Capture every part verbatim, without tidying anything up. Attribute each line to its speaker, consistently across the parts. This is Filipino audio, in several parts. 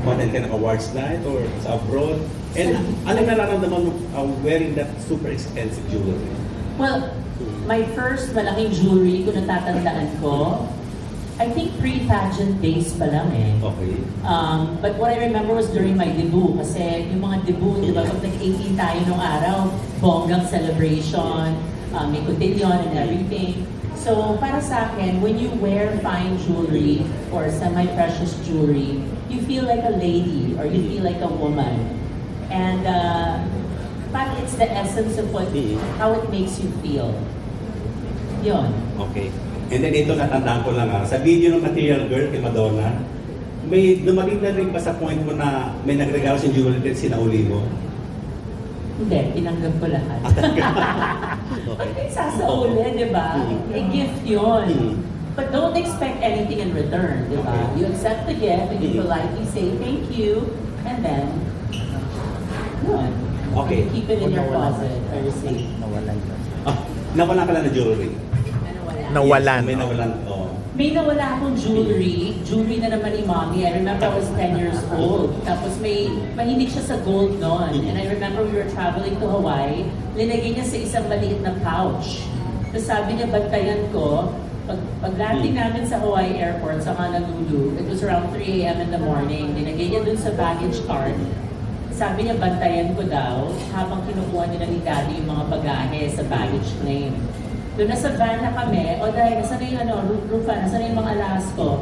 Speaker 1: umattend ka ng awards night or sa abroad? And ano nararamdaman mo uh, wearing that super expensive jewelry?
Speaker 2: Well, my first malaking jewelry kung natatandaan ko, I think pre-pageant days pa lang eh.
Speaker 1: Okay.
Speaker 2: Um, but what I remember was during my debut. Kasi yung mga debut, di ba, pag nag-eighteen tayo nung araw, bonggang celebration, um, may cotillion and everything. So, para sa akin, when you wear fine jewelry or semi-precious jewelry, you feel like a lady or you feel like a woman. And uh, parang it's the essence of what, how it makes you feel. Yun.
Speaker 1: Okay. And then ito, natandaan ko lang ha, sa video ng Material Girl kay Madonna, may dumating na rin ba sa point mo na may nagregalo sa jewelry at sinauli mo?
Speaker 2: Hindi, tinanggap ko lahat. Ba't kayo sasauli, di ba? A gift yun.
Speaker 1: Mm.
Speaker 2: But don't expect anything in return, di ba?
Speaker 1: Okay.
Speaker 2: You accept the gift and you
Speaker 1: Mm.
Speaker 2: politely say thank you, and then, yun.
Speaker 1: Okay.
Speaker 2: Keep it in your closet or safe.
Speaker 3: Nawalan ka.
Speaker 1: Ah, nawala ka lang na jewelry.
Speaker 2: Ano, wala.
Speaker 3: Nawalan.
Speaker 1: Yes, may nawalan. Oh.
Speaker 2: May nawala akong jewelry. Jewelry na naman ni Mommy. I remember I was ten years old. Tapos may, mahilig siya sa gold noon. And I remember we were traveling to Hawaii. Linagay niya sa isang maliit na pouch. Tapos sabi niya, bantayan ko. Pag, pag landing namin sa Hawaii Airport, sa Honolulu, it was around three a m in the morning. Linagay niya dun sa baggage cart. Sabi niya, bantayan ko daw habang kinukuha nila ni Daddy yung mga bagahe sa baggage claim. Doon nasa van na kami, o dahil nasa na yung ano, Rufa, nasa na yung mga alahas ko.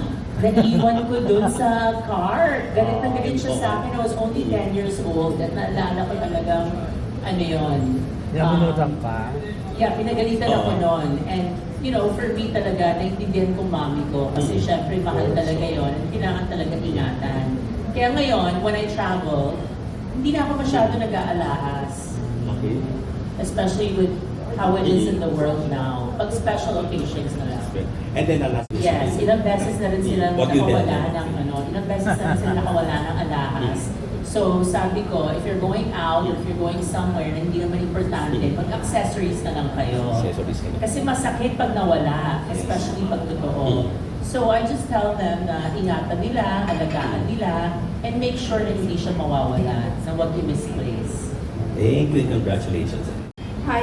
Speaker 2: Naiwan ko doon sa car. Galit na galit siya sa akin. I was only ten years old at naalala ko talagang, ano yun.
Speaker 3: Nabunutan ka?
Speaker 2: Yeah, pinagalitan ako noon. And, you know, for me talaga, naintindihan kong mami ko. Kasi syempre, mahal talaga yon at kailangan talaga ingatan. Kaya ngayon, when I travel, hindi na ako masyado nag-aalahas.
Speaker 1: Okay.
Speaker 2: Especially with how it is in the world now. Pag special occasions na lang.
Speaker 1: And then the last
Speaker 2: Yes, ilang beses na rin sila
Speaker 1: What you did.
Speaker 2: nakawala ng ano, ilang beses na rin sila nakawala ng alahas. So sabi ko, if you're going out, or if you're going somewhere na hindi naman importante, mag-accessories na lang kayo.
Speaker 1: Accessories ka na.
Speaker 2: Kasi masakit pag nawala, especially pag totoo. So I just tell them na ingatan nila, alagaan nila, and make sure na hindi siya mawawala, na huwag i-misplace.
Speaker 1: Thank you and congratulations.
Speaker 4: Hi.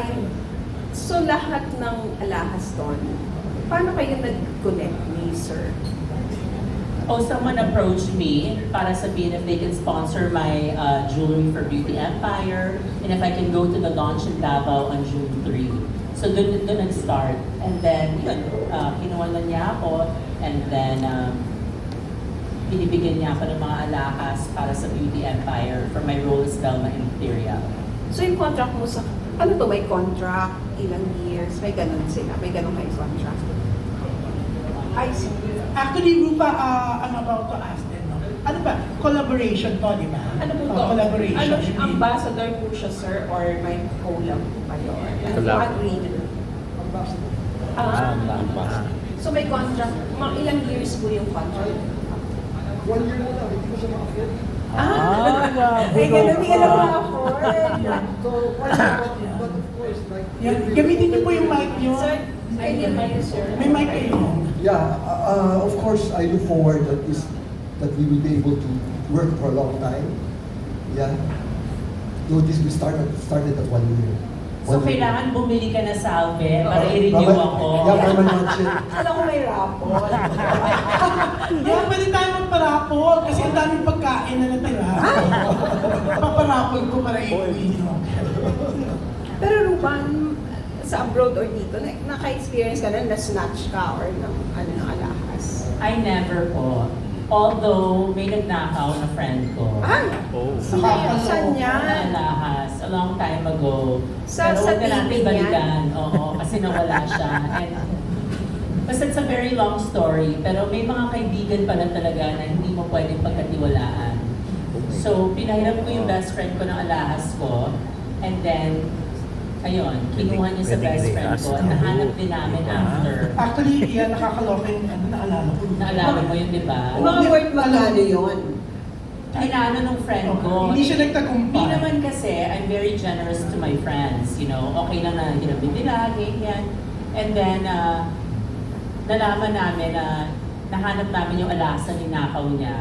Speaker 4: So lahat ng alahas doon, paano kayo nag-connect ni Sir?
Speaker 2: Oh, someone approached me para sabihin if they can sponsor my uh, jewelry for Beauty Empire and if I can go to the launch in Davao on June third. So doon doon nag-start. And then, yun, uh, kinuha na niya ako and then um, binibigyan niya ako ng mga alahas para sa Beauty Empire for my role as Velma Imperial.
Speaker 4: So yung contract mo sa, ano to, may contract, ilang years, may ganun sila, may ganun kayo contract.
Speaker 5: I see. Actually, Rupa, uh, I'm about to ask them, no? Ano ba? Collaboration to, di ba?
Speaker 4: Ano po
Speaker 5: Oh,
Speaker 4: to?
Speaker 5: collaboration.
Speaker 4: Ano, ambassador po siya, sir, or may collab po kayo? Ano
Speaker 3: Collab.
Speaker 4: po agreement? Ah,
Speaker 3: Tama.
Speaker 4: so may contract, mga ilang years po yung contract?
Speaker 6: One year na lang, hindi ko siya makafit.
Speaker 3: Ah,
Speaker 4: Ay, ganun din alam mo ako.
Speaker 6: So, one year, but, but of course, like...
Speaker 5: Yan, gamitin niyo po yung mic niyo.
Speaker 4: Sir, ay, yun ba yun, sir?
Speaker 5: May mic kayo.
Speaker 6: Yeah, uh, uh, of course, I look forward that this, that we will be able to work for a long time. Yeah. Though this we started, started at one year.
Speaker 2: So
Speaker 6: One year.
Speaker 2: kailangan bumili ka na salve para
Speaker 6: Uh,
Speaker 2: i-renew
Speaker 6: Raman-
Speaker 2: ako.
Speaker 6: Yeah, Raman Mansion.
Speaker 4: Alam ko may rapol.
Speaker 5: Yan, pwede tayo magparapol kasi ang daming pagkain na natira. Paparapol ko para i-uwi niyo.
Speaker 4: Pero Ruban, sa abroad or dito, na, naka-experience ka na na-snatch ka or ng, ano, ng alahas?
Speaker 2: I never po. Although may nagnakaw na friend ko.
Speaker 4: Ay!
Speaker 3: Oh.
Speaker 4: Sino yun? Saan
Speaker 2: Ng
Speaker 4: yan?
Speaker 2: alahas, a long time ago.
Speaker 4: Sa-
Speaker 2: Pero
Speaker 4: sa
Speaker 2: huwag na natin
Speaker 4: T V
Speaker 2: balikan. Oo, kasi nawala siya. And, basta it's a very long story, pero may mga kaibigan pala talaga na hindi mo pwedeng pagkatiwalaan. So, pinahiram ko yung best friend ko ng alahas ko, and then, ayun, kinuha niya sa
Speaker 3: Pwedeng
Speaker 2: best friend ko, at nahanap din namin after.
Speaker 5: Actually, yan, nakakaloka yung ano, naalala ko.
Speaker 2: Naalala mo yun, di ba?
Speaker 4: Mga worth magkano yun?
Speaker 2: Inaano nung friend ko.
Speaker 5: Hindi siya nagtagumpay.
Speaker 2: Hindi naman kasi, I'm very generous to my friends, you know. Okay lang na hinabi nila, ganyan. And then, uh, nalaman namin na nahanap namin yung alasa ni nakaw niya.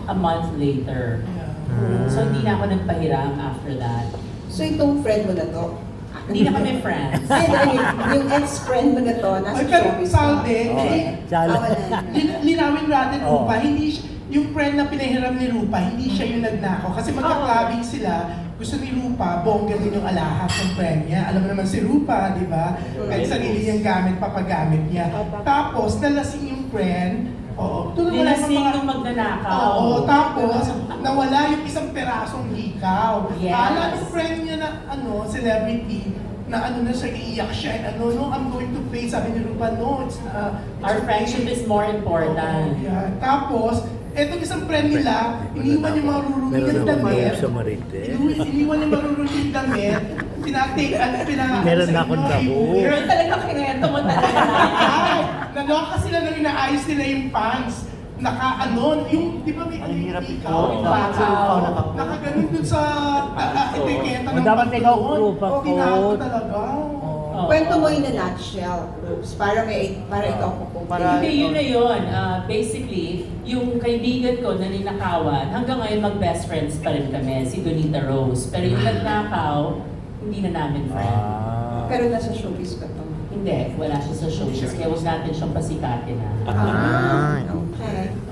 Speaker 2: a month later.
Speaker 5: Yeah.
Speaker 2: So hindi na ako nagpahiram after that.
Speaker 4: So itong friend mo na to?
Speaker 2: Hindi na kami friends.
Speaker 4: Ay, dahil yung, yung ex-friend mo na to, nasa
Speaker 5: Ay, pero
Speaker 4: showbiz
Speaker 5: salde,
Speaker 3: Oh,
Speaker 5: eh,
Speaker 3: Sala.
Speaker 4: Ah, wala na.
Speaker 5: lin- linawin natin,
Speaker 3: Oo.
Speaker 5: Rupa, hindi siya- yung friend na pinahiram ni Rupa, hindi siya yung nagnakaw. Kasi magka-clubbing sila, gusto ni Rupa, bongga din yung alahas ng friend niya. Alam mo naman si Rupa, di ba? Kahit sarili niyang gamit, papagamit niya. Tapos, nalasing yung friend, oo, tuloy wala
Speaker 2: Dinasing
Speaker 5: mga-
Speaker 2: nung magnanakaw.
Speaker 5: Oo, tapos nawala yung isang perasong hikaw.
Speaker 2: Yes.
Speaker 5: Kala ng friend niya na ano, celebrity, na ano na siya, iiyak siya, and ano, no, I'm going to pay, sabi ni Rupa, no, it's, uh, it's
Speaker 2: Our
Speaker 5: okay.
Speaker 2: friendship is more important.
Speaker 5: Oo, yeah. Tapos, etong isang friend nila, iniwan yung marurunong
Speaker 3: Meron
Speaker 5: yung
Speaker 3: akong
Speaker 5: damit.
Speaker 3: loob sa Marites.
Speaker 5: Iniwan iniwan yung marurunong yung damit. Pinatake, ano, pina...
Speaker 3: Meron
Speaker 5: sa
Speaker 3: na akong
Speaker 5: inyo,
Speaker 3: damo.
Speaker 5: i-
Speaker 2: Girl, talaga kinento mo talaga.
Speaker 5: Ay, naloka sila nang inaayos nila yung pants. Naka ano, yung, di ba may ano yung ikaw?
Speaker 2: Yung bakaw.
Speaker 5: Nakaganon dun sa uh, etiketa ng
Speaker 3: O, dapat ikaw,
Speaker 5: pantalon.
Speaker 3: Rupa,
Speaker 5: O, ginako
Speaker 3: coat.
Speaker 5: talaga.
Speaker 2: Oo.
Speaker 4: Kwento mo in a nutshell, Rubes, para may para ikaw kukumpin.
Speaker 3: Para-
Speaker 2: Hindi, yun na yun. Ah, basically, yung kaibigan ko na ninakawan, hanggang ngayon mag-best friends pa rin kami, si Donita Rose. Pero yung nagnakaw, hindi na namin friend.
Speaker 3: Ah.
Speaker 4: Pero nasa showbiz ka to.
Speaker 2: Hindi, wala siya sa showbiz. Kaya huwag natin siyang pasikatin na.
Speaker 4: Ah, okay.